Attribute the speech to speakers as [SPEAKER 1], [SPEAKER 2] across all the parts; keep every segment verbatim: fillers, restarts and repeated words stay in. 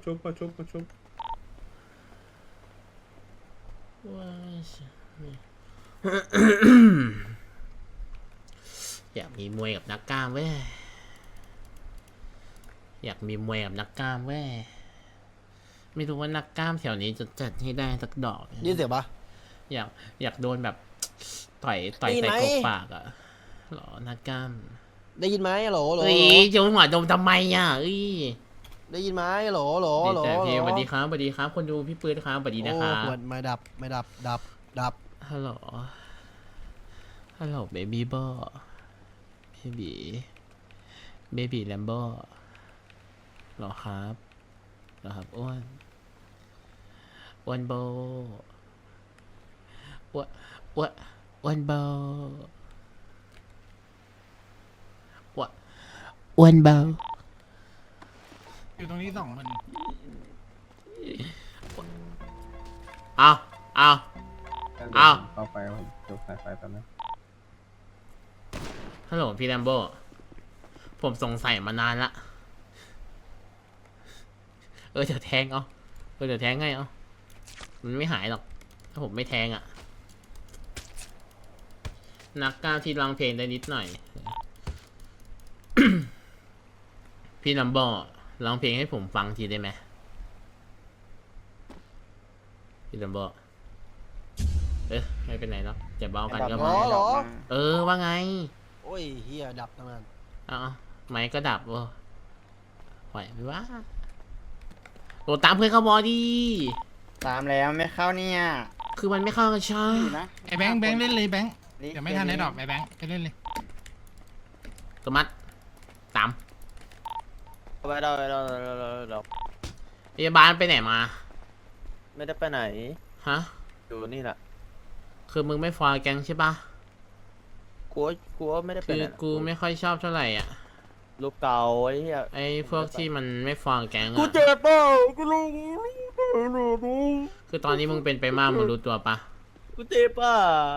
[SPEAKER 1] ชุบมาชุบมาชุบ
[SPEAKER 2] ว้ายอยากมีมวยกับนักกล้ามเว้ยอยากมีมวยกับนักกล้ามเว้ยไม่รู้ว่านักกล้ามแถวนี้จะจัดให้ได้สักดอกไหม
[SPEAKER 3] ยินเสียงปะ
[SPEAKER 2] อยากอยากโดนแบบต่อยต่อย
[SPEAKER 3] ได้ยิน
[SPEAKER 2] ใส่
[SPEAKER 3] ไหม
[SPEAKER 2] กบปากอ่ะหรอนักกล้าม
[SPEAKER 3] ได้ยินไหมโหลโหล
[SPEAKER 2] เอ้ยโยนหัวดมทำไมอ่ะเอ้ย
[SPEAKER 3] ได้ยินไหมโหลโหลโหล
[SPEAKER 2] แต่พี่
[SPEAKER 3] โห
[SPEAKER 2] ส
[SPEAKER 3] ล
[SPEAKER 2] วัสดีครับสวัสดีครับคนดูพี่ปืนครับสวัสดีนะครับ
[SPEAKER 3] โอ้ไม่ดับไม่ดับดับดับ
[SPEAKER 2] ฮัลโหลฮัลโหลเบบี้บอเบบี้เบบี้แลมโบหรอครับหรอครับอ้วนอ้วนโบอ้วนอ้วนอ้วนโบอ้วนอ้วนโบ
[SPEAKER 4] อยู่ตรงนี้สองคน
[SPEAKER 2] เอาเอาเอา
[SPEAKER 1] เข้าไปผมจบสายไฟตอนนี้
[SPEAKER 2] ฮัลโหลพี่แลมโบผมสงสัยมานานละเออเดี๋ยวแทงเอาเออเดี๋ยวแทงไงเอามันไม่หายหรอกถ้าผมไม่แทงอ่ะนักกล้ามที่ร้องเพลงได้นิดหน่อย พี่แลมโบร้องเพลงให้ผมฟังทีได้ไหมพี่แลมโบเออไม่เป็นไรหรอกจะเบากันก็
[SPEAKER 3] โหล
[SPEAKER 2] มา
[SPEAKER 3] โหล
[SPEAKER 2] เออว่าไง
[SPEAKER 3] โอ้ยเฮียดับตั้งนาน
[SPEAKER 2] เอาไม้ก็ดับเวะไหวไหมวะโหตามเพื่อนเข้าบอดี
[SPEAKER 5] ตามแล้วไม่เข้าเนี่ย
[SPEAKER 2] คือมันไม่เข้ากันใช่
[SPEAKER 5] อยู่นะ
[SPEAKER 4] ไอ้แบงค์แบงค์เล่นเลยแบงค์เดี๋ยวไม่ทันได้ดอกไอ้แบงค์ไปเล่นเลย
[SPEAKER 2] สมัดตาม
[SPEAKER 6] ไปเราเราเราเราเรา
[SPEAKER 2] พยาบาลไปไหนมา
[SPEAKER 6] ไม่ได้ไปไหน
[SPEAKER 2] ฮะ
[SPEAKER 6] อยู่นี่แหละ
[SPEAKER 2] คือมึงไม่ฟอลแก๊งใช่ปะ
[SPEAKER 6] กูว่ากูว่าไม่ได้ไป
[SPEAKER 2] คือ
[SPEAKER 6] ไหนหร
[SPEAKER 2] กูไม่ค่อยชอบเท่าไหร่อ่ะ
[SPEAKER 6] รูปเก่าไอ้เหี้ย
[SPEAKER 2] ไอ้พวกที่มันไม่ฟอลแก๊ง
[SPEAKER 6] กู
[SPEAKER 2] อ่ะ
[SPEAKER 6] เจ็บเปล่ากูรู้
[SPEAKER 2] คือตอนนี้มึงเป็นไปมากมึงรู้ตัวปะ
[SPEAKER 6] กูเจ็บป่ะ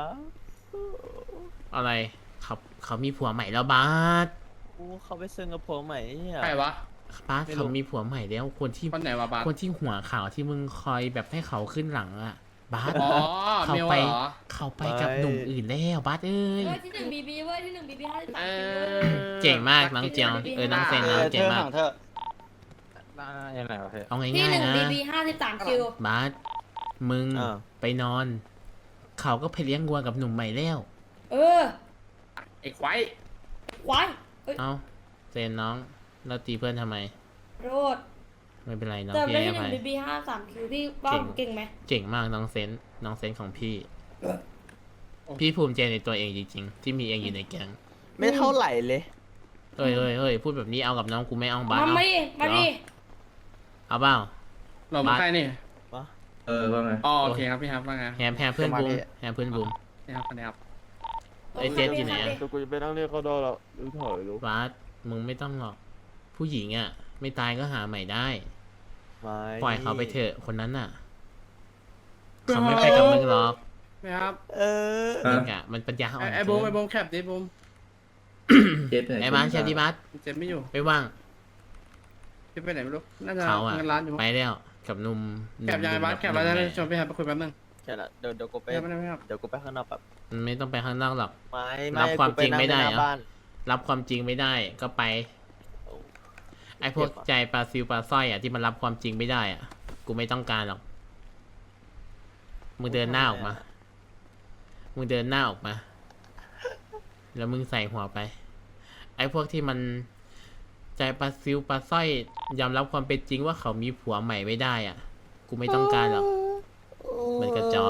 [SPEAKER 2] อะไรเขาเขามีผัวใหม่แล้วบาส
[SPEAKER 6] กูเขาไปเซิงกับผมใหม่ไอ้เหี้ย
[SPEAKER 7] ใครวะ
[SPEAKER 2] บาสเขามีผัวใหม่แล้วคนที่
[SPEAKER 7] คนไหนวะบาส
[SPEAKER 2] คนที่หัวขาวที่มึงคอยแบบให้เขาขึ้นหลังอ่ะบาส
[SPEAKER 7] อ๋อ
[SPEAKER 2] เขา
[SPEAKER 7] เมล
[SPEAKER 2] ไป
[SPEAKER 7] เหรอ
[SPEAKER 2] เขาไปกับหนุ่มอื่นแล้วบาสเอ้ย
[SPEAKER 8] เว้ยที่หนึ่งบีบีเว้ยที่หนึ่งบีบีห้าสิบสาม
[SPEAKER 7] เอ
[SPEAKER 8] คิว
[SPEAKER 7] อ
[SPEAKER 2] เจ๋งมากน้องเจียวเออน้องเซนน้องเจ๋งมาก
[SPEAKER 5] เธอ
[SPEAKER 6] ยังไงวะเพื่อน
[SPEAKER 2] เอา
[SPEAKER 8] ที่
[SPEAKER 2] ง่าย
[SPEAKER 8] หนึ่ง
[SPEAKER 2] ๆนะ
[SPEAKER 8] บีบีห้าสิบสามคิว
[SPEAKER 2] บาสมึง
[SPEAKER 6] อ่า
[SPEAKER 2] ไปนอน เขาก็ไปเลี้ยงวัวกับหนุ่มใหม่แล้ว
[SPEAKER 8] เออ
[SPEAKER 7] ไอ้ควาย
[SPEAKER 8] ควายเอ้ย
[SPEAKER 2] เอาเซนน้องเราตีเพื่อนทำไม
[SPEAKER 8] โรด
[SPEAKER 2] ไม่เป็นไรน้อง
[SPEAKER 8] เติม
[SPEAKER 2] พี่
[SPEAKER 8] ได้
[SPEAKER 2] ให้
[SPEAKER 8] ที่ห
[SPEAKER 2] อ
[SPEAKER 8] นึ่ง
[SPEAKER 2] ภัย
[SPEAKER 8] บีบีห้าสามคิวพี่ว่าผมเก่งไหม
[SPEAKER 2] เก่งมากน้องเซนน้องเซนของพี่ พี่ภูมิใจในตัวเองจริงๆ ที่มีเองอยู่ในแก๊ง
[SPEAKER 6] ไม่เท่าไหร่เลย
[SPEAKER 2] เอ้ยเอ้ยเอ้ยพูดแบบนี้เอากับน้องกูไม่เอาบ้า
[SPEAKER 8] มา
[SPEAKER 2] เอา
[SPEAKER 8] มาดิมาดิ
[SPEAKER 2] เอาเปล่า
[SPEAKER 7] เรามาใครนี่
[SPEAKER 1] เออว่าไง
[SPEAKER 7] อ๋อโอเคครับพี่ครับว่าไง
[SPEAKER 2] แฮมแฮมเพื่อนบูมแฮมเพื่อนบูม
[SPEAKER 7] นี่ครับคนนี้ครับ
[SPEAKER 2] ไอ้เจ็ดอยู่ไหนอะ
[SPEAKER 6] แต่กูจะไปนั่งเรียกเขาดอแล้วรู้ถอยรู้
[SPEAKER 2] บาสมึงไม่ต้องหรอก ผู้หญิงอ่ะ ไม่ตายก็หาใหม่ได้
[SPEAKER 6] ไม่
[SPEAKER 2] ปล่อยเขาไปเถอะคนนั้นน่ะ เขาไม่ไปกับมึงหรอก
[SPEAKER 7] นี่ครับ
[SPEAKER 6] เออ
[SPEAKER 2] มึงอ่ะมันปัญญาอ่
[SPEAKER 7] ไอ้
[SPEAKER 2] อน
[SPEAKER 7] ไอ้บูมไอ้บูมแคปดิบูม
[SPEAKER 1] เจ็ดเนี่ย
[SPEAKER 2] ไอ้บ้านแชร์ดีบัส
[SPEAKER 7] เจ็บไม่อยู่
[SPEAKER 2] ไปว่าง
[SPEAKER 7] จะไปไหนไม่รู้น่าจะ
[SPEAKER 2] เขาอ่ะ
[SPEAKER 7] เงินร้านอยู่มั้ง
[SPEAKER 2] ไปแล้วกับหนุ่มห
[SPEAKER 7] แค
[SPEAKER 2] นุ่
[SPEAKER 7] ป
[SPEAKER 2] ม
[SPEAKER 7] ยังไงบ้างแคป
[SPEAKER 2] ห
[SPEAKER 7] แล้ว
[SPEAKER 2] นุ่ม
[SPEAKER 7] จะชวนพี่ครับไปคุยแป๊บนึง
[SPEAKER 6] แค่นั้นเดี๋ยวเดี๋ยวกูไป
[SPEAKER 7] ไม่ได้ไม่ได้ครับ
[SPEAKER 6] เดี๋ยวกูไปข้างนอกแบบ
[SPEAKER 2] มันไม่ต้องไปข้างนอกหรอก
[SPEAKER 6] ไม่
[SPEAKER 2] รั
[SPEAKER 6] ไม่
[SPEAKER 2] บความ
[SPEAKER 6] กูป
[SPEAKER 2] จริงไม่ได้
[SPEAKER 6] นั่
[SPEAKER 2] เหรอ
[SPEAKER 6] ในบ้าน
[SPEAKER 2] รับความจริงไม่ได้ก็ไป ไอ้พวกใจปลาซิวปลาสร้อยอ่ะที่มันรับความจริงไม่ได้อ่ะ กูไม่ต้องการหรอก มึงเดินหน้าออกมา มึงเดินหน้าออกมา แล้วมึงใส่หัวไป ไอ้พวกที่มันใจปลาซิวปลาสร้อยยอมรับความเป็นจริงว่าเขามีผัวใหม่ไม่ได้อ่ะ กูไม่ต้องการหรอก มันกระจอก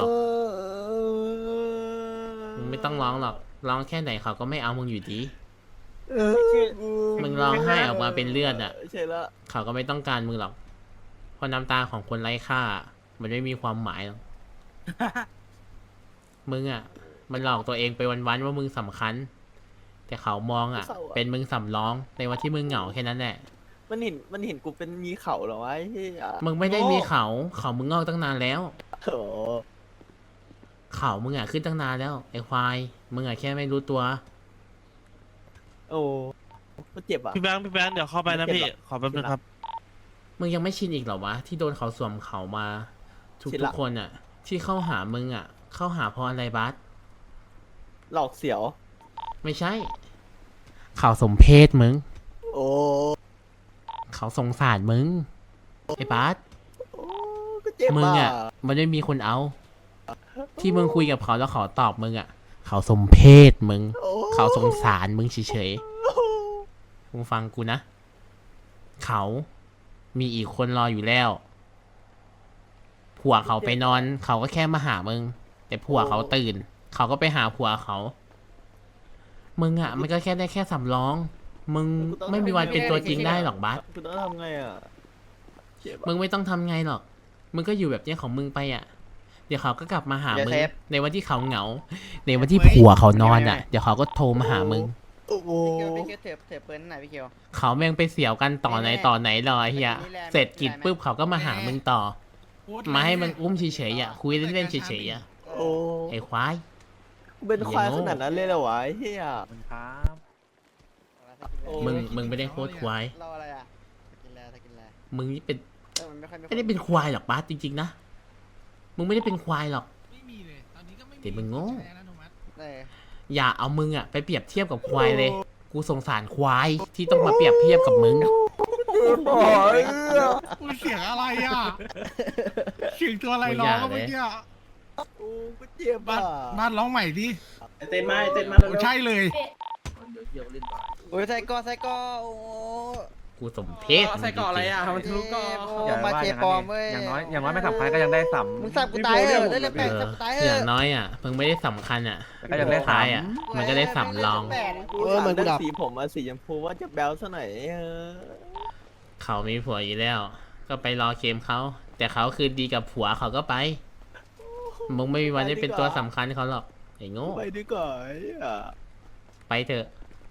[SPEAKER 2] มึงไม่ต้องร้องหรอก ร้องแค่ไหนเขาก็ไม่เอามึงอยู่ดี มึงร้องไห้ออกมาเป็นเลือดอ่ะ
[SPEAKER 6] ใช่ละ
[SPEAKER 2] เขาก็ไม่ต้องการมึงหรอก เพราะน้ำตาของคนไร้ค่า มันไม่มีความหมายหรอก มึงอ่ะ มันหลอกตัวเองไปวันๆว่ามึงสำคัญ แต่เขามองอ่ะ เป็นมึงสำรองในวันที่มึงเหงาแค่นั้นแหละ
[SPEAKER 6] มันเห็นมันเห็นกูเป็นมีเขาเหรอวะไอ้เหี้ย
[SPEAKER 2] มึงไม่ได้มีเขา เขามึงงอกตั้งนานแล้ว
[SPEAKER 6] โอ้
[SPEAKER 2] เขามึงอ่ะขึ้นตั้งนานแล้วไอ้ควาย มึงอ่ะแค่ไม่รู้ตัว
[SPEAKER 6] โอ้มันเจ็บอ่ะ
[SPEAKER 9] พี่แบงค์พี่แบงค์เดี๋ยวเข้าไปนะพี่ ขอแป๊บนึงครับ
[SPEAKER 2] มึงยังไม่ชินอีกเหรอวะที่โดนเขาสวมเขามาทุก
[SPEAKER 6] ชิน
[SPEAKER 2] ทุ
[SPEAKER 6] ละ
[SPEAKER 2] กคนอ่ะ ที่เข้าหามึงอ่ะ เข้าหาเพราะอะไรบัส
[SPEAKER 6] หลอกเสียว
[SPEAKER 2] ไม่ใช่ เขาสมเพศมึง
[SPEAKER 6] โอ้
[SPEAKER 2] เขาสงสารมึงไอ้บัส
[SPEAKER 6] โอ้ก็เจ็บ
[SPEAKER 2] มึง
[SPEAKER 6] อ่ะ
[SPEAKER 2] อ่ะ มันไม่มีคนเอา ที่มึงคุยกับเขาแล้วเขาตอบมึงอ่ะ เขาสมเพศมึง
[SPEAKER 6] โอ้
[SPEAKER 2] เขาสงสารมึงเฉยๆมึงฟังกูนะ เขามีอีกคนรออยู่แล้ว ผัวเขาไปนอน เขาก็แค่มาหามึง แต่ผัวเขาตื่น เขาก็ไปหาผัวเขา มึงอ่ะ มันก็แค่ได้แค่สำรอง มึงไม่มีวันเป็นตัวจริงได้หรอกบัส
[SPEAKER 6] กูต้องทำไงอ่ะเจ็บ
[SPEAKER 2] มึ
[SPEAKER 6] อ่ะ
[SPEAKER 2] งไม่ต้องทำไงหรอก มึงก็อยู่แบบเนี้ยของมึงไปอ่ะ เดี๋ยวเขาก็กลับมาหามึง
[SPEAKER 5] เดี๋ยวเซฟ
[SPEAKER 2] ในวันที่เขาเหงา ในวันที่ผัวเขานอนอ่ะ เดี๋ยวเขาก็โทรมาหามึง
[SPEAKER 6] โอ้โห
[SPEAKER 5] พี่เคียวพี่เคียวเถื่อเถื่อปืนหน่อยพี่เคียว
[SPEAKER 2] เขาแม่งไปเสี่ยวกันต่อไหนต่อไหนรอไอ้เฮีย
[SPEAKER 5] นี่แหละ
[SPEAKER 2] เสร็จกิจ
[SPEAKER 5] นี่แหละ
[SPEAKER 2] ปุ๊บเขาก็มาหามึงต่อ มาให้มึงอุ้มเฉยๆอ่ะ คุยเล่นๆเฉยๆอ่ะ
[SPEAKER 6] โอ้
[SPEAKER 2] ไอ้ควาย
[SPEAKER 6] กูเป็นควายขนาดนั้นเลยเหรอวะไอ้เฮีย โอ้
[SPEAKER 2] มึงมึงไม่ได้โคตรควาย
[SPEAKER 5] เราอะไรอ่ะกินแล้วกินแล้ว
[SPEAKER 2] มึงนี่เป็น
[SPEAKER 5] เออมันไม่ค่อย
[SPEAKER 2] ไม่ได้เป็นควายหรอกบาสจริงๆนะ มึงไม่ได้เป็นควายหรอก
[SPEAKER 4] ไม่มีเลยตอนนี้ก็ไม่มี
[SPEAKER 2] แต่มึงโง่
[SPEAKER 4] ใช้อนุมัติ
[SPEAKER 5] เออ
[SPEAKER 2] อย่าเอามึงอ่ะไปเปรียบเทียบกับควายเลย กูสงสารควายที่ต้องมาเปรียบเทียบกับมึง
[SPEAKER 6] โอ้ย
[SPEAKER 4] มันเสียงอะไรอ่ะเสียงตัวอะไรร้องก็เมื่อกี้อะ
[SPEAKER 6] โอ้กูเจ็บ
[SPEAKER 4] บ้า
[SPEAKER 6] อ่ะ
[SPEAKER 4] นบ้านร้องใหม่ดิ
[SPEAKER 7] เต้นมาเต้นมา
[SPEAKER 4] โอ้ใช่เลย
[SPEAKER 1] เดี๋ยวเดี๋ยวเล่นต่อ
[SPEAKER 5] โอ้ยไซโก้ไซโก้โอ้
[SPEAKER 2] กูสมเพศ
[SPEAKER 7] ใส่เกาะอะไรอ่ะมันทะลุเกาะ
[SPEAKER 5] โอ้มาเชปอมเว้ย
[SPEAKER 1] อย่างน้อยอย่างน้อยไม่สำคัญก็ยังได้สัม
[SPEAKER 5] มึงสับกูตายเถอะได้เลย
[SPEAKER 2] เอ
[SPEAKER 5] แปะ
[SPEAKER 2] อ
[SPEAKER 5] สับกูตายเถ
[SPEAKER 2] อย่าง
[SPEAKER 5] อะ
[SPEAKER 2] น้อยอ่ะ มึงไม่ได้สำคัญอ่ะ
[SPEAKER 1] ก็ยังได้
[SPEAKER 2] ท้า
[SPEAKER 1] สาม
[SPEAKER 2] ยอ่ะ มันก็ได้สำรอง
[SPEAKER 6] กู
[SPEAKER 3] เออ
[SPEAKER 6] สาม
[SPEAKER 3] เหมือนกู
[SPEAKER 6] เลือ
[SPEAKER 3] ดับ
[SPEAKER 6] กสีผมมาสีชมพูว่าจะแบลซะหน่อยเออ
[SPEAKER 2] เขามีผัวอยู่แล้ว ก็ไปรอเคมเขา แต่เขาคือดีกับผัวเขาก็ไป มึงไม่มีวันได้เป็นตัวสำคัญเขาหรอก ไอ้โง่
[SPEAKER 6] ไปดีกว่าไอ้อ่ะ
[SPEAKER 2] ไปเถอะ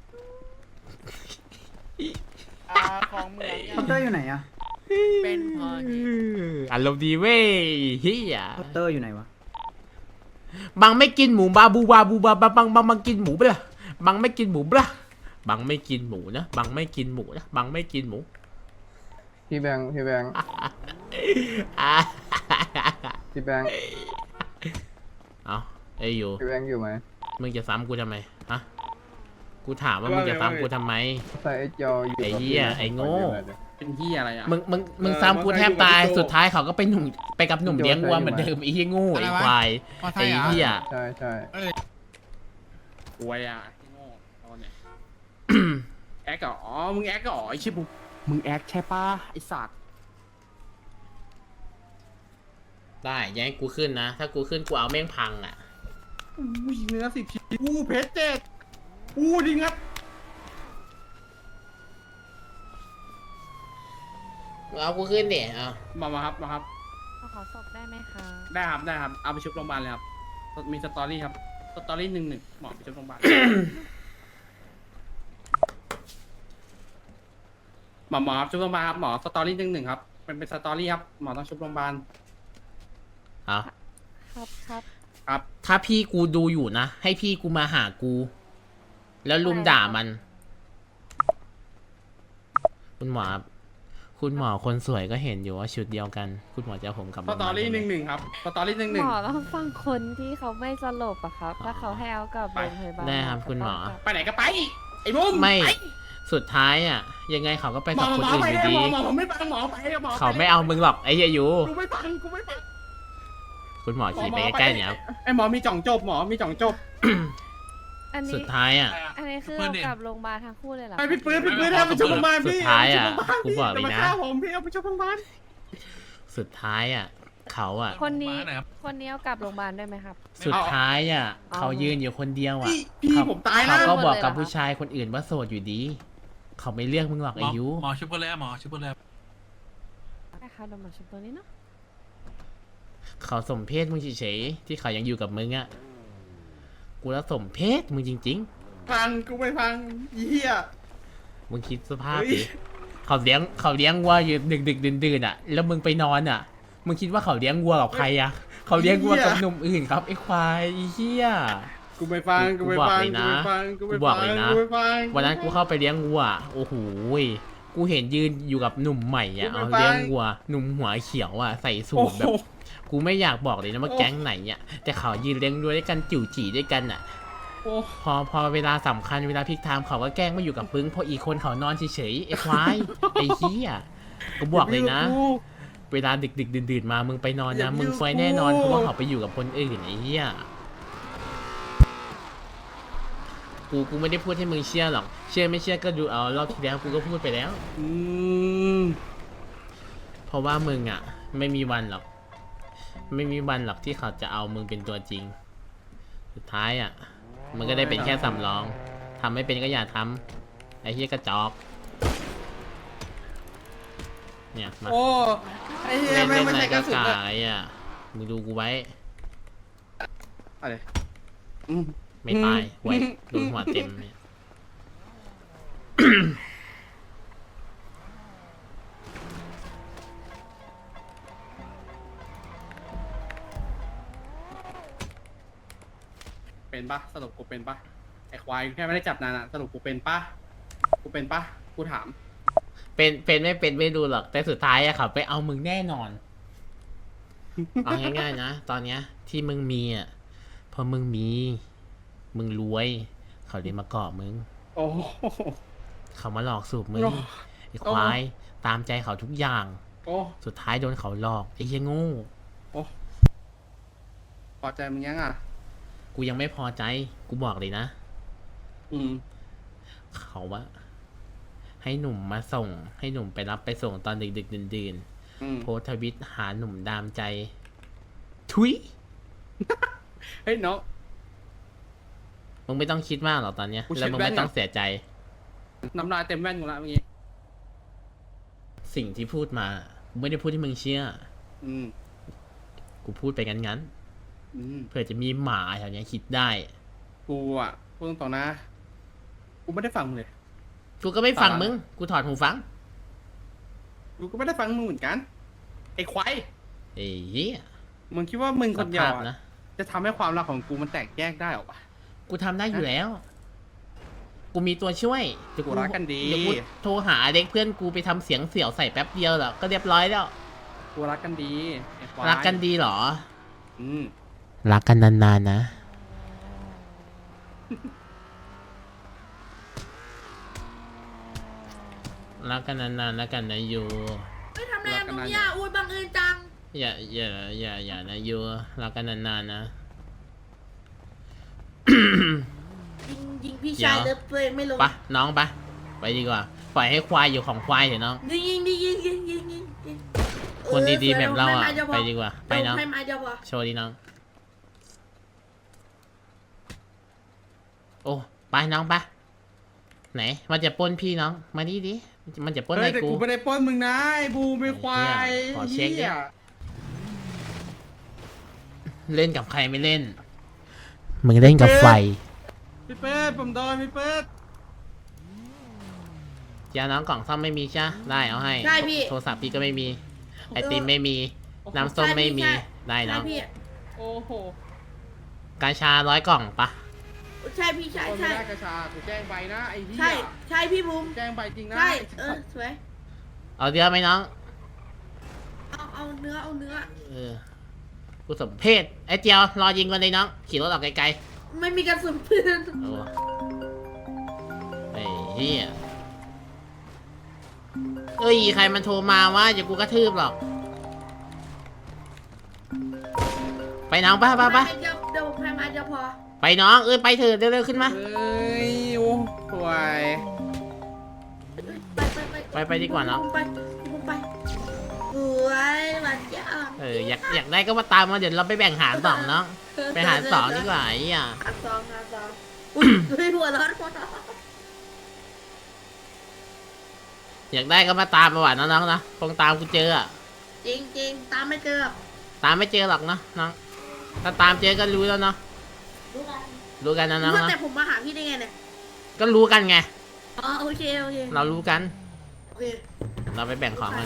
[SPEAKER 5] อ่าของเมือง
[SPEAKER 9] พัตเตอร์อยู่ไหนอะ
[SPEAKER 5] เป็นพอดี
[SPEAKER 2] อารมณ์ดีเว้ยเฮีย
[SPEAKER 9] พัตเตอร์อยู่ไหนวะ
[SPEAKER 2] บังไม่กินหมูบาบูบาบูบาบังบังบังบังกินหมูเปล่าบังไม่กินหมูเปล่าบังไม่กินหมูนะบังไม่กินหมูนะบังไม่กินหมู
[SPEAKER 1] พี่แบงค์พี่แบงค์
[SPEAKER 2] อ่ะ
[SPEAKER 1] พี่แบงค์
[SPEAKER 2] เอาไอ้อยู่
[SPEAKER 1] พี่แบงค์อยู่ไหม
[SPEAKER 2] มึงจะซ้ำกูทำไมฮะกูถามว่ามึงจะซ้ำกูทำไม
[SPEAKER 1] ใส่ไอ้จออยู่
[SPEAKER 2] ไอ้เหี้ยไอ้โง่
[SPEAKER 7] เป็นที่อะไรอ่ะ
[SPEAKER 2] มึงมึงมึงซ้ำกูแทบตายสุดท้ายเขาก็ไปหนุ่มไปกับหนุ่มเลี้ยงวัวเหมือนเดิมไอ้เหี้ยโงูไอ้ควาย
[SPEAKER 4] พอไท
[SPEAKER 2] ไอ้
[SPEAKER 4] ยอ่ะ
[SPEAKER 2] เหี้ย
[SPEAKER 1] ใช่ใช่
[SPEAKER 7] กวยอ่ะโง่ตอนเนี้ยแอคเหรออ๋อมึงแอคเหรอไอ้ชิบุมึงแอคใช่ปะไอ้สัตว์
[SPEAKER 2] ได้อยังให้กูขึ้นนะ ถ้ากูขึ้นกูเอาแม่งพังอ่ะ
[SPEAKER 7] อู้ยเนื้อสิบชิ้นอู้เพชรเจ็ดอู้ดิงัด
[SPEAKER 2] เอากูขึ้นเนี่ยเอา
[SPEAKER 7] มามาครับมาครับ
[SPEAKER 8] ขอศพได้ไหมคะ
[SPEAKER 7] ได้ครับได้ครับเอาไปชุบโรงพยาบาลเลยครับมีสตอรี่ครับสตอรี่หนึ่งหนึ่งหมอไปชุบโรงพยาบาล หมอหมอครับชุบโรงพยาบาลครับหมอสตอรี่หนึ่งหนึ่งครับเป็นเป็นสตอรี่ครับหมอต้องชุบโรงพยาบาล
[SPEAKER 2] เอา
[SPEAKER 8] ครับครับ
[SPEAKER 7] ครับ
[SPEAKER 2] ถ้าพี่กูดูอยู่นะ ให้พี่กูมาหากู แล้วลุมด่ามัน คุณหมอครับคุณหมอคนสวยก็เห็นอยู่ว่าชุดเดียวกัน คุณหมอจะเอาผมกลับ
[SPEAKER 7] ส
[SPEAKER 2] โงพยา
[SPEAKER 7] ต
[SPEAKER 2] บา
[SPEAKER 7] อ
[SPEAKER 2] ล
[SPEAKER 7] รี่ห
[SPEAKER 2] ได้
[SPEAKER 7] นึ่ง
[SPEAKER 2] ไห
[SPEAKER 7] ห
[SPEAKER 2] ม
[SPEAKER 7] นึ่งครับสตอรี่หนึ่งหนึ่ง
[SPEAKER 8] หมอต้องฟังคนที่เขาไม่สลบอะครับ ถ้าเขาให้เอากลับโรงพยาบาล
[SPEAKER 2] ได้ครับคุณหมอ
[SPEAKER 7] ไปไหนก็ไปไอ้บุ้ม
[SPEAKER 2] ไม่
[SPEAKER 7] ป
[SPEAKER 2] สุดท้ายอ่ะ ยังไงเขาก็ไป
[SPEAKER 7] หม
[SPEAKER 2] กั
[SPEAKER 7] อบ
[SPEAKER 2] คน
[SPEAKER 7] หมอ
[SPEAKER 2] อื่น
[SPEAKER 7] ไป
[SPEAKER 2] อยู่
[SPEAKER 7] เลย
[SPEAKER 2] ดี
[SPEAKER 7] หมอหมอผมไม่ฟังหมอไปหมอป
[SPEAKER 2] เขาไม่เอามึงหรอกไอ้เหี้ยอยู่
[SPEAKER 7] กูไม่ฟังกูไม่ฟัง
[SPEAKER 2] คุณหมอขี่ไปใกล้ๆเนี่ยครับ
[SPEAKER 7] ไอ้หมอมีจ่องจบหมอมีจ่องจบ
[SPEAKER 8] อัน
[SPEAKER 2] สุ
[SPEAKER 8] นี้
[SPEAKER 2] ดท้ายอ่ะ
[SPEAKER 8] อันนี้คือเอากลับโรงพยาบาลทั้งคู่เลยเหรอ
[SPEAKER 7] ไปพี่ปื้ดพี่ปื้ดเอาไปชุบโรงพยาบาล
[SPEAKER 2] สุ
[SPEAKER 7] พี่
[SPEAKER 2] ดท้ายอะ
[SPEAKER 7] เาไปชุบโรงพยาบาล
[SPEAKER 2] กูบอกเลยนะ
[SPEAKER 7] อย่ามาฆ่าผมพี่เอาไปชุบโรงพยาบาล
[SPEAKER 2] สุดท้ายอ่ะ เขาอ่ะ
[SPEAKER 8] คนนี้คนนี้เอากลับโรงพยาบาลได้ไหมครับ
[SPEAKER 2] สุดท้ายอ่ะ
[SPEAKER 8] เอา
[SPEAKER 2] เขายืนอยู่คนเดียวอ่ะ
[SPEAKER 7] พี่พี่
[SPEAKER 2] เขา
[SPEAKER 7] ผมตาย
[SPEAKER 2] เขา
[SPEAKER 7] นะ
[SPEAKER 2] ก็บอก
[SPEAKER 8] หมดเลยเหรอ
[SPEAKER 2] กับ
[SPEAKER 8] คะ
[SPEAKER 2] ผู้ชายคนอื่นว่าโสดอยู่ดี เขาไม่เลือกมึงหรอกไอ้ยู
[SPEAKER 4] หมอชุบเปอร์แล้วหมอชุบเปอร์แล้ว
[SPEAKER 8] ได้ค่ะเดี๋ยวหมอชุบตัวนี้เนาะ
[SPEAKER 2] เขาสมเพศมึงเฉยๆที่เขายังอยู่กับมึงอ่ะ กูแล้วสมเพศมึงจริง
[SPEAKER 7] ฟังกูไม่ฟังอีเหี้ย
[SPEAKER 2] ๆ มึงคิดสภาพ
[SPEAKER 7] เฮ้
[SPEAKER 2] ดิ
[SPEAKER 7] ย
[SPEAKER 2] เขาเลี้ยงเขาเลี้ยงวัวอยู่ดึกดึกดื่นดื่นๆอ่ะ แล้วมึงไปนอนอ่ะ มึงคิดว่าเขาเลี้ยงวัวกับใครอ่ะ เขาเลี้ยงวัวกับหนุ่มอื่นครับไอ้ควายไอ้เหี้ย
[SPEAKER 7] กูไม่ฟังกูไม่ฟัง
[SPEAKER 2] กูบอกเลยนะ
[SPEAKER 7] กูไม่ฟังกูไม่
[SPEAKER 2] กูบอก
[SPEAKER 7] ฟัง
[SPEAKER 2] เลยนะ
[SPEAKER 7] กูไม่ฟัง
[SPEAKER 2] วันนั้นกูเข้าไปเลี้ยงวัว โอ้โหยกูเห็นยืนอยู่กับหนุ่มใหม่อ่ะ
[SPEAKER 7] กู
[SPEAKER 2] เอา
[SPEAKER 7] ไม่ไป
[SPEAKER 2] เลี้ยงวัวหนุ่มหัวเขียวอ่ะใส่สูทแบบ กูไม่อยากบอกเลยนะว่า
[SPEAKER 7] โอ้
[SPEAKER 2] แก๊งไหนอ่ะแต่เขายืนเลี้ยงวัวด้วยกันจิ๋วจีด้วยกันอ่ะ
[SPEAKER 7] โอ้
[SPEAKER 2] พอพอเวลาสำคัญเวลาพลิกไทม์เขาก็แกล้งไม่อยู่กับปึ้งเพราะอีกคนเขานอนเฉยๆไอ้ควายไอ้เหี้ยกูบอกเลยนะ เวลาดึกดึกดื่นๆมามึงไปนอนนะมึงไฟแน่นอนเพราะว่าเขาไปอยู่กับคนอื่นไอ้เหี้ยกูกูไม่ได้พูดให้มึงเชื่อหรอกเชื่อไม่เชื่อก็ดูเอารอบที่แล้วกูก็พูดไปแล้ว
[SPEAKER 7] อืม
[SPEAKER 2] เพราะว่ามึงอ่ะ ไม่มีวันหรอก ไม่มีวันหรอกที่เขาจะเอามึงเป็นตัวจริง สุดท้ายอ่ะมันก็ได้เป็นแค่สำรองทำไม่เป็นก็อย่าทำไอ้เหี้ยกระจอกเนี่ยมา
[SPEAKER 7] โอ้ไอ้เหี้ย
[SPEAKER 2] เล่น
[SPEAKER 7] ไม่
[SPEAKER 2] เล่น
[SPEAKER 7] ไม่
[SPEAKER 2] อะไร
[SPEAKER 7] ใช่ก
[SPEAKER 2] ก็
[SPEAKER 7] ระสุน
[SPEAKER 2] กา
[SPEAKER 7] อะ
[SPEAKER 2] ยอ่ะมึงดูกูไว้
[SPEAKER 7] อะไรอืม
[SPEAKER 2] ไม่ตายหวยโดนหัวเต็มเนี่ย
[SPEAKER 7] เป็นปะสรุปกูเป็นปะไอ้ควายแค่ไม่ได้จับนานอะสรุปกูเป็นปะกูเป็นปะกูถาม
[SPEAKER 2] เป็นเป็นไม่เป็นไม่ดูหรอกแต่สุดท้ายอะเขาไปเอามึงแน่นอน เอาง่ายๆนะตอนเนี้ยที่มึงมีอ่ะเพราะมึงมี มึงรวย เขาเลยมาเกาะมึง
[SPEAKER 7] โอ้โห
[SPEAKER 2] เขามาหลอกสูบมึง
[SPEAKER 7] โอ้
[SPEAKER 2] ไอ้ควายตามใจเขาทุกอย่าง
[SPEAKER 7] โอ้
[SPEAKER 2] สุดท้ายโดนเขาหลอกไอ้เหี้ยโง่
[SPEAKER 7] โอ้พอใจมึงยังอ่ะ
[SPEAKER 2] กูยังไม่พอใจกูบอกเลยนะ
[SPEAKER 7] อืม
[SPEAKER 2] เขาว่าให้หนุ่มมาส่ง ให้หนุ่มไปรับไปส่งตอนดึกดึกดื่นดื่น
[SPEAKER 7] อืม
[SPEAKER 2] ๆโพสต์ทวิตหาหนุ่มดามใจ ทุย
[SPEAKER 7] เฮ้ยน้อง
[SPEAKER 2] มึงไม่ต้องคิดมากหรอกตอนเนี้ย
[SPEAKER 7] กูเช็ด
[SPEAKER 2] แล้วมึง
[SPEAKER 7] แว่น
[SPEAKER 2] ไม่ต้อง
[SPEAKER 7] อะ
[SPEAKER 2] เสียใจ
[SPEAKER 7] น้ำลายเต็มแว่นกูละเมื่อกี้
[SPEAKER 2] สิ่งที่พูดมากูไม่ได้พูดให้มึงเชื่อ
[SPEAKER 7] อืม
[SPEAKER 2] กูพูดไปงั้นงั้น
[SPEAKER 7] อืม
[SPEAKER 2] ๆเผื่อจะมีหมาแถวเนี้ยคิดได้
[SPEAKER 7] กูอ่ะพูดตรงๆนะ กูไม่ได้ฟังมึงเลย
[SPEAKER 2] กูก็ไม่ฟัง
[SPEAKER 7] ตาละ
[SPEAKER 2] มึง กูถอดหูฟัง
[SPEAKER 7] กูก็ไม่ได้ฟังมึงเหมือนกัน ไอ้ควาย
[SPEAKER 2] เอ้ยเหี้ย
[SPEAKER 7] มึงคิดว่ามึงคนเดียว
[SPEAKER 2] สภาพ
[SPEAKER 7] อะ
[SPEAKER 2] นะ
[SPEAKER 7] จะทำให้ความรักของกูมันแตกแยกได้หรอวะ
[SPEAKER 2] กูทำได้อยู่แล้ว กูมีตัวช่วยเดี๋ยว
[SPEAKER 7] กูรักกันดี
[SPEAKER 2] เดี๋ยวกูโทรหาเด็กเพื่อนกูไปทำเสียงเสี่ยวใส่แป๊บเดียวแล้วก็เรียบร้อยแล้ว
[SPEAKER 7] กูรักกันดีไอ้ควาย
[SPEAKER 2] รักกันดีเหรอ
[SPEAKER 7] อืม
[SPEAKER 2] รักกันนานๆนะ รักกันนานๆแล้วกันนะยู
[SPEAKER 9] ไม่ทำอะไรตรงนี้อ่ะอุ้ยบังเอิญจัง
[SPEAKER 2] อย่าอย่าอย่าอย่านะยูรักกันนานๆนะ
[SPEAKER 9] ยิงยิงพี่
[SPEAKER 2] เดี๋ยว
[SPEAKER 9] ชายเลิฟตัวเองไม่ลง
[SPEAKER 2] ปะน้องปะไปดีกว่า ปล่อยให้ควายอยู่ของควายเถอะน้อง
[SPEAKER 9] ยิงยิงดิยิงยิงยิงยิงยิง
[SPEAKER 2] คนดีๆ
[SPEAKER 9] ออ
[SPEAKER 2] แบบเราอ่ะ
[SPEAKER 9] ดี๋ยว
[SPEAKER 2] ไป
[SPEAKER 9] ให้ม
[SPEAKER 2] ดีกว่า ไป
[SPEAKER 9] เดี๋ยว
[SPEAKER 2] น้อง
[SPEAKER 9] ให้มาเดี๋ยวพอ
[SPEAKER 2] โชว์ดีน้อง โอ้ ไปน้องปะไหน มันจะปล้นพี่น้อง มาดิดิ มันจะปล้น
[SPEAKER 7] เฮ้
[SPEAKER 2] อะไร
[SPEAKER 7] ยแต่
[SPEAKER 2] กู
[SPEAKER 7] กูไม่ได้ปล้นมึงนะไอ้บูไม่ควาย
[SPEAKER 2] ขอเช็คดิ
[SPEAKER 7] หี้ย
[SPEAKER 2] เล่นกับใครไม่เล่น มึงเล่นกับไฟ
[SPEAKER 7] พี่เปิดผมโดนพี่เปิด
[SPEAKER 2] เจ้าน้องกล่องซ่อมไม่มีใช่ปะได้เอาให้
[SPEAKER 9] ใช่พี่
[SPEAKER 2] โทรศัพท์พี่ก็ไม่มี ไอติมไม่มี น้ำส้มไม่มี ได้
[SPEAKER 9] ใช่
[SPEAKER 2] น้อง
[SPEAKER 9] พี่
[SPEAKER 7] โอ้โห
[SPEAKER 2] กาชาร้อยกล่องปะ
[SPEAKER 9] ใช่พี่ใช่
[SPEAKER 7] คนไม่
[SPEAKER 9] ใช่
[SPEAKER 7] ได้กระชากูแจ้งใบนะไอ้เหี้ย
[SPEAKER 9] ใช่ใช่พี่บุ้ม
[SPEAKER 7] แจ้งใบจริงนะ
[SPEAKER 9] ใช่
[SPEAKER 7] ไอ้
[SPEAKER 9] เอ
[SPEAKER 7] สั
[SPEAKER 9] อ
[SPEAKER 7] ตว์
[SPEAKER 9] สวย
[SPEAKER 2] เอาเยอะไหมน้อง
[SPEAKER 9] เอาเอาเนื้อเอาเนื้อ
[SPEAKER 2] เออ กูสมเพศไอ้เจียวรอยิงกันเลยน้อง ขี่รถออกไกล
[SPEAKER 9] ไม่มีกระสุนปืน
[SPEAKER 2] ๆโอ้ไอ้เหี้ยเอ้ย ใครมันโทรมาวะอย่ากูกระทืบหรอก ไปน้องปะปะปะ
[SPEAKER 9] เดี๋ยวเดี๋ยวผมให้มาเดี๋ยวพอ
[SPEAKER 2] ไปน้อง เอ้ย ไปเถอะเร็วๆขึ้นมา
[SPEAKER 7] เอ้ยโอ้ป่วย
[SPEAKER 9] ไปไปไป
[SPEAKER 2] ไปไปดีกว่าเนอะ
[SPEAKER 9] ผมไปผมไปสวยหวานจ้า
[SPEAKER 2] เออ อยากอยากได้ก็มาตามมาเดี๋ยวเราไปแบ่งหารสองน้อง ไปหารสองดีกว่าไอ้เหี้ย
[SPEAKER 9] หารสองหารสองอุ้ยด้วยหัวร้อนหัวร้อน
[SPEAKER 2] อยากได้ก็มาตามมาหวานน้องๆนะคงตามกูเจออะ
[SPEAKER 9] จริงจริงตามไม่เจอ
[SPEAKER 2] ตามไม่เจอหรอกเนาะน้อง ถ้าตามเจอก็รู้แล้วเนาะ
[SPEAKER 9] รู้กัน
[SPEAKER 2] รู้กันนะน้อง
[SPEAKER 9] ว่า
[SPEAKER 2] เนาะ
[SPEAKER 9] แต่ผมมาหาพี่ได้ไงเนี่ย
[SPEAKER 2] ก็รู้กันไง
[SPEAKER 9] อ๋อโอเคโอเค
[SPEAKER 2] เรารู้กัน
[SPEAKER 9] โอเค
[SPEAKER 2] เราไปแบ่งของกัน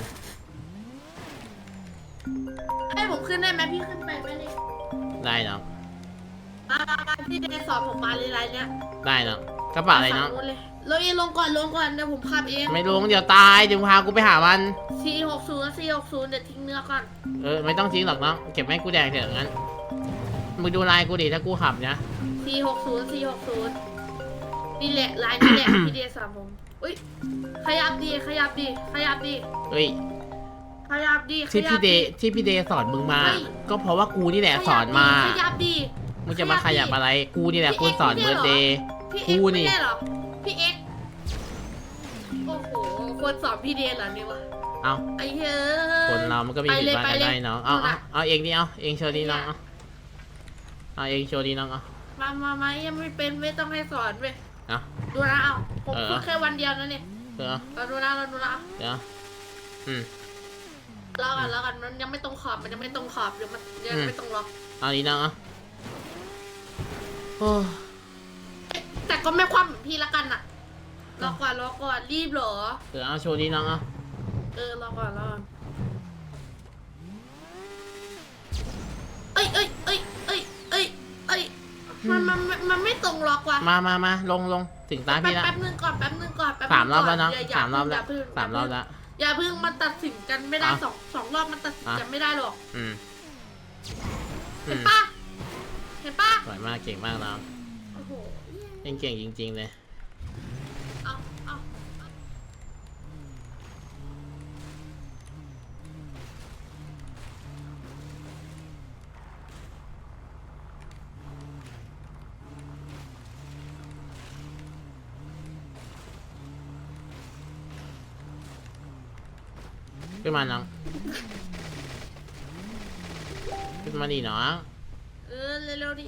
[SPEAKER 9] ให้ผมขึ้นได้ไหมพี่ขึ้นไปไหมเนี่ย
[SPEAKER 2] ได้น้อง
[SPEAKER 9] มามามาพี่เดย์สอนผมมาเลยไรเนี้ย
[SPEAKER 2] ได้น้องกระเป๋าอะไรน้อง
[SPEAKER 9] ฝั่นู้นเลยเราเองลงก่อนลงก่อนเดี๋ยวผมขับเอง
[SPEAKER 2] ไม่ลงเดี๋ยวตายเดี๋ยวพากูไปหามัน
[SPEAKER 9] สี่หกศูนย์สี่หกศูนย์เดี๋ยวทิ้งเนื้อก่อน
[SPEAKER 2] เออไม่ต้องทิ้งหรอกน้องเก็บให้กูแดกเถอะงั้นมึงดูลายกูดิถ้ากูขับนะ
[SPEAKER 9] สี่หกศูนย์สี่หกศูนย์นี่แหละลายนี่แหละ พี่เดชสามผมอุ้ยขยับดีขยับดีขยับดี
[SPEAKER 2] เฮ้ย
[SPEAKER 9] ขยับดีข
[SPEAKER 2] ที่
[SPEAKER 9] ยั
[SPEAKER 2] พี่
[SPEAKER 9] บ
[SPEAKER 2] เด
[SPEAKER 9] ดี
[SPEAKER 2] ที่พี่เดสอนมึงมา
[SPEAKER 9] เฮ้ย
[SPEAKER 2] ก็เพราะว่ากูนี่แหละสอนมา
[SPEAKER 9] ขยับดี
[SPEAKER 2] มึงจะมาขยับอะไรกูนี่แหละกูสอนเบิร์ดเดย์
[SPEAKER 9] พี่เอ็ก
[SPEAKER 2] กู
[SPEAKER 9] ซ์
[SPEAKER 2] นี่
[SPEAKER 9] ไม่ได้เหรอพี่เอ็กซ์โอ้โหคนสอนพี่เดชเหรอเนี่ยวะ
[SPEAKER 2] เอา
[SPEAKER 9] ไอ้เฮ้ย
[SPEAKER 2] คนเรามันก็มีผิดพลาดกันได้น้องเอา
[SPEAKER 9] ไปเลย
[SPEAKER 2] เอาเอาเองดิเอาเองโชว์ดิน้องเอาเอาเองโชว์ดิน้องเอา
[SPEAKER 9] มามามายังไม่เป็นไม่ต้องให้สอนเว้ย
[SPEAKER 2] เอา
[SPEAKER 9] ดูนะเอาผม
[SPEAKER 2] เออ
[SPEAKER 9] ฝึกแค่วันเดียวนะเนี่ย
[SPEAKER 2] เดี๋ยว
[SPEAKER 9] เราดูนะเราดูนะ
[SPEAKER 2] เดี๋ยวอืม
[SPEAKER 9] รอกันรอกันมันยังไม่ตรงขอบมันยังไม่ตรงขอบเดี๋ยวมันยัง
[SPEAKER 2] อืม
[SPEAKER 9] ไม่ตรงล็อก
[SPEAKER 2] เอาดิน้องเอาโอ้
[SPEAKER 9] แต่ก็ไม่คว่ำเหมือนพี่ละกันอะรอก่อนรอก่อนรีบเหรอ
[SPEAKER 2] เดี๋ยวเอาโชว์ดิน้องเอา
[SPEAKER 9] เออรอก่อนรอก่อนเอ้ยเอ้ยเอ้ยเอ้ยเอ้ยเอ้ยมันมันมันมันไม่ตรงล็อกว่ะ
[SPEAKER 2] มามามาลงลงถึงตา
[SPEAKER 9] แป๊บ
[SPEAKER 2] พี่ละ
[SPEAKER 9] แป๊บนึงก่อนแป๊บนึงก่อนแป๊บนึง
[SPEAKER 2] สามรอบแล้ว
[SPEAKER 9] ก่
[SPEAKER 2] นะ
[SPEAKER 9] ย่ย่
[SPEAKER 2] สามรอบแล้ว
[SPEAKER 9] ย่เพิ่ง
[SPEAKER 2] สามรอบแล้ว
[SPEAKER 9] อย่าเพิ่งมันตัดสินกันไม่ได้
[SPEAKER 2] อ่ะ
[SPEAKER 9] สองสองรอบมันตัดสิน
[SPEAKER 2] อ่ะ
[SPEAKER 9] กันไม่ได้หรอก
[SPEAKER 2] อืมอื
[SPEAKER 9] เห็น
[SPEAKER 2] ม
[SPEAKER 9] ปะเห็นปะ
[SPEAKER 2] สวยมากเก่งมากน้อง
[SPEAKER 9] โอ้โห
[SPEAKER 2] เองเก่งจริง ๆ เลย
[SPEAKER 9] เอาเอา
[SPEAKER 2] ขึ้นมาน้องขึ้นมาดิน้อง
[SPEAKER 9] เออเร็วๆดิ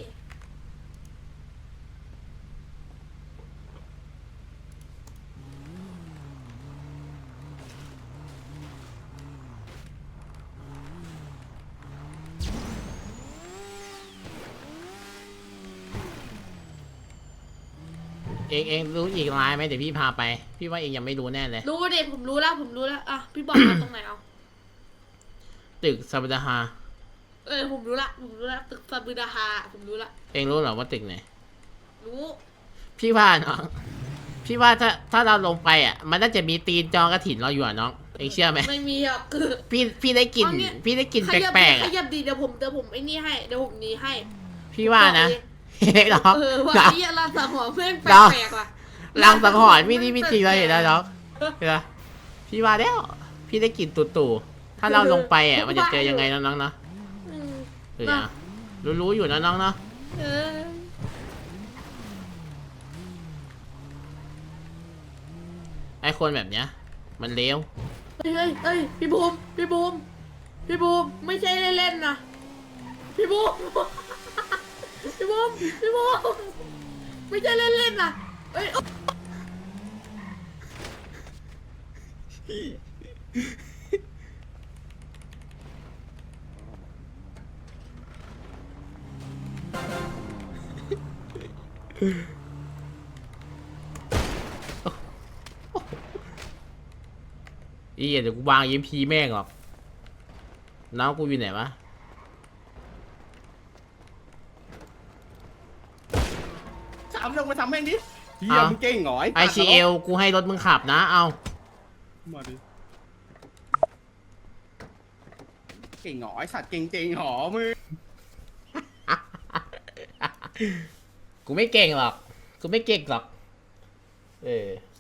[SPEAKER 2] เองเองรู้อีกลายไหมเดี๋ยวพี่พาไป พี่ว่าเองยังไม่รู้แน่เลย
[SPEAKER 9] รู้ดิผมรู้แล้วผมรู้แล้วอ่ะพี่บอกมาตรงไหนเอา
[SPEAKER 2] ตึกซาบดาฮา
[SPEAKER 9] เออผมรู้ละผมรู้ละตึกซาบูดาฮาผมรู้ละ
[SPEAKER 2] เองรู้เหรอว่าตึกไหน
[SPEAKER 9] รู้
[SPEAKER 2] พี่ว่าน้องพี่ว่าถ้าถ้าเราลงไปอ่ะ มันน่าจะมีตีนจองกระถินเราอยู่อ่ะน้องเองเชื่อไหม
[SPEAKER 9] ไม่มีหรอกคือ
[SPEAKER 2] พี่พี่ได้กลิ่น
[SPEAKER 9] เอาเนี่ย
[SPEAKER 2] พี่ได้กลิ่น
[SPEAKER 9] ขยับ
[SPEAKER 2] แปลกๆ
[SPEAKER 9] ข
[SPEAKER 2] อ่ะ
[SPEAKER 9] ยับดีเดี๋ยวผมเดี๋ยวผมไอ้นี่ให้เดี๋ยวผมหนี้ให้
[SPEAKER 2] พี่ว่านะเฮ้ยน้อง
[SPEAKER 9] เออว่า
[SPEAKER 2] น้อง
[SPEAKER 9] ไอ้ยเราสังหรณ์เพื่อนแป
[SPEAKER 2] เรา
[SPEAKER 9] ลกๆว่ะ
[SPEAKER 2] ลังสังหรณ์พี่นี่พี่จริงเราเห็นแล้วน้องเห็นไหมพี่ว่าแล้วพี่ได้กลิ่นตู่ตู่ๆถ้าเราลงไปอ่ะมันจะเจอยังไงน้องๆเนาะ
[SPEAKER 9] อืม
[SPEAKER 2] เดี๋ยวนะรู้ๆอยู่นะน้องเนาะ
[SPEAKER 9] เออ
[SPEAKER 2] ไอคนแบบเนี้ย มันเลว
[SPEAKER 9] เฮ้ยเฮ้ยเฮ้ยพี่บูมพี่บูมพี่บูมไม่ใช่เล่นๆนะพี่บูม พี่บูมพี่บูมไม่ใช่เล่นๆนะเอ้ย
[SPEAKER 2] อีเดี๋ยวกูวางยิมพีแม่งหรอกน้องกูอยู่ไหนวะ
[SPEAKER 7] สามลงมาทำแม่งดิเฮียมึงเก่งเหรอ
[SPEAKER 2] ไอซีเอลกูให้รถมึงขับนะเอา
[SPEAKER 7] มาดิเก่งเหรอไอสัตว์เก่งเก่งเหรอมึง
[SPEAKER 2] กูไม่เก่งหรอก กูไม่เก่งหรอก เออ